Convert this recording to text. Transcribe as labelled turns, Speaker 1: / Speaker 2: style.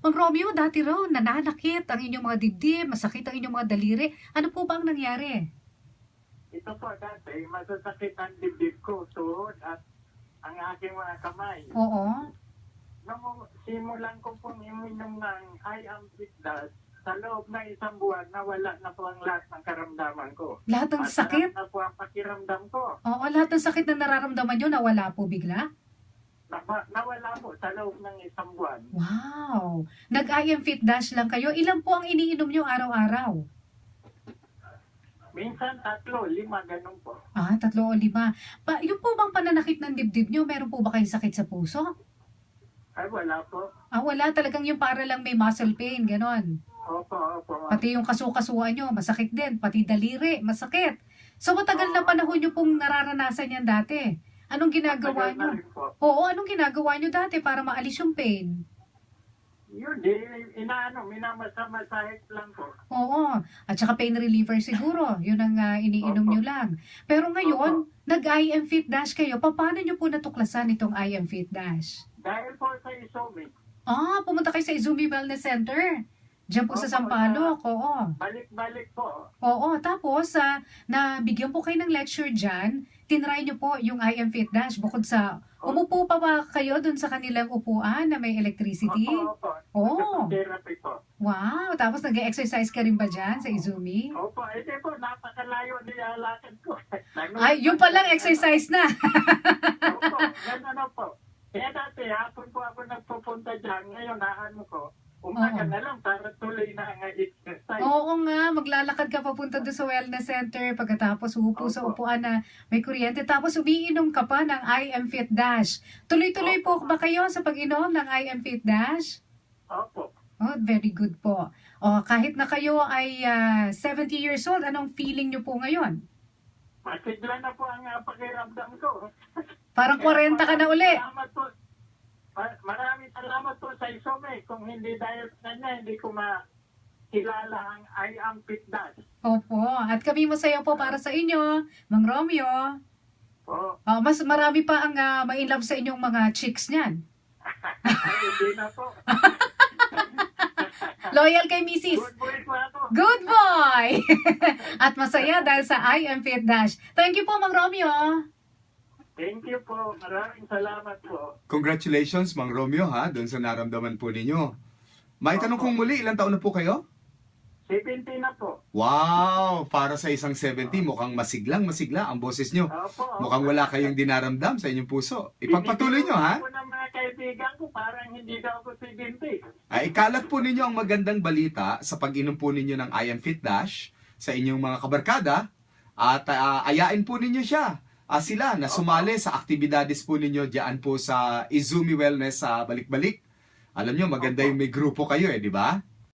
Speaker 1: Mang Romeo, dati raw nananakit ang inyong mga dibdib, masakit ang inyong mga daliri. Ano po ba ang nangyari?
Speaker 2: Ito po dati, masasakit ang dibdib ko, tuhod at ang aking mga kamay.
Speaker 1: Oo.
Speaker 2: Nung simulan ko pong iminom ng I am fit dust, sa loob ng isang buwan, nawala na po ang lahat ng karamdaman ko.
Speaker 1: Lahat ng
Speaker 2: At
Speaker 1: sakit?
Speaker 2: sarap na po ang pakiramdam ko.
Speaker 1: Oo, lahat ng sakit na nararamdaman nyo, nawala po bigla?
Speaker 2: Nawala po sa loob ng isang buwan.
Speaker 1: Wow! Nag-I am Fit Dash lang kayo. Ilan po ang iniinom nyo araw-araw?
Speaker 2: Minsan 3, 5, ganun po.
Speaker 1: 3 o 5. Yung po bang pananakit ng dibdib nyo, meron po ba kayong sakit sa puso?
Speaker 2: Ay, wala po.
Speaker 1: Wala. Talagang yung para lang may muscle pain, ganon.
Speaker 2: Opo.
Speaker 1: Pati yung kasukasuan nyo, masakit din. Pati daliri, masakit. So matagal na panahon nyo pong nararanasan yan dati. Anong ginagawa
Speaker 2: Matagal
Speaker 1: nyo?
Speaker 2: na rin po.
Speaker 1: Oo, anong ginagawa nyo dati para maalis yung pain?
Speaker 2: Yun, minamasahit lang po.
Speaker 1: Oo. At saka pain reliever siguro. Yun ang iniinom
Speaker 2: Opo.
Speaker 1: nyo lang. Pero ngayon, nag-I am Fit Dash kayo. Paano nyo po natuklasan itong I am Fit Dash?
Speaker 2: Dahil po sa Isomic,
Speaker 1: Pumunta kayo sa Izumi Wellness Center. Diyan po sa
Speaker 2: Opo,
Speaker 1: Sampaloc. Oo.
Speaker 2: balik-balik po.
Speaker 1: Oo. Tapos, nabigyan po kayo ng lecture dyan. Tinry nyo po yung I am Fit Dash. Bukod sa, umupo pa ba kayo dun sa kanilang upuan na may electricity?
Speaker 2: Opo.
Speaker 1: Oo.
Speaker 2: Therapy po.
Speaker 1: Wow. Tapos nag-exercise ka rin ba dyan sa Izumi?
Speaker 2: Opo, hindi po, napakalayo nilalakad ko.
Speaker 1: Ay, yung palang exercise na.
Speaker 2: Opo, gano'n na po. Kaya dati, hapon po ako nagpupunta dyan. Ngayon, naano ko, umaga
Speaker 1: Oo.
Speaker 2: na lang para tuloy na ang exercise.
Speaker 1: Oo nga, maglalakad ka papunta doon sa wellness center pagkatapos upo sa
Speaker 2: Opo.
Speaker 1: upuan na may kuryente. Tapos umiinom ka pa ng I am Fit Dash. Tuloy-tuloy po ba kayo sa pag-inom ng I am Fit Dash?
Speaker 2: Opo.
Speaker 1: Oh, very good po. Kahit na kayo ay 70 years old, anong feeling nyo po ngayon?
Speaker 2: Masigla na po ang pakiramdam ko.
Speaker 1: Parang 40 ka na uli.
Speaker 2: Salamat po. Maraming salamat po sa Isome. Kung hindi dahil sa kanya, hindi ko makilala ang I am Fit Dash.
Speaker 1: Opo, at kami masaya po para sa inyo, Mang Romeo.
Speaker 2: Po.
Speaker 1: Mas marami pa ang ma-inlove sa inyong mga chicks niyan.
Speaker 2: Ay, hindi na po.
Speaker 1: Loyal kay Mrs.
Speaker 2: Good boy po ako.
Speaker 1: Good boy! At masaya dahil sa I am Fit Dash. Thank you po, Mang Romeo.
Speaker 2: Thank you po. Maraming salamat po.
Speaker 3: Congratulations, Mang Romeo, ha, doon sa naramdaman po ninyo. May tanong kong muli, ilang taon na po kayo?
Speaker 2: 70 na po.
Speaker 3: Wow! Para sa isang 70, mukhang masiglang-masigla ang boses nyo.
Speaker 2: Opo.
Speaker 3: Mukhang wala kayong dinaramdam sa inyong puso. Ipagpatuloy nyo, ha?
Speaker 2: Ako ng mga kaibigan ko, parang hindi daw ako 70.
Speaker 3: Ay, ikalat po ninyo ang magandang balita sa pag-inom po ninyo ng I Am Fit Dash sa inyong mga kabarkada at ayain po ninyo siya. Sila na sumali sa aktibidades po ninyo diyan po sa Izumi Wellness sa Balik-Balik. Alam nyo, maganda yung may grupo kayo di ba?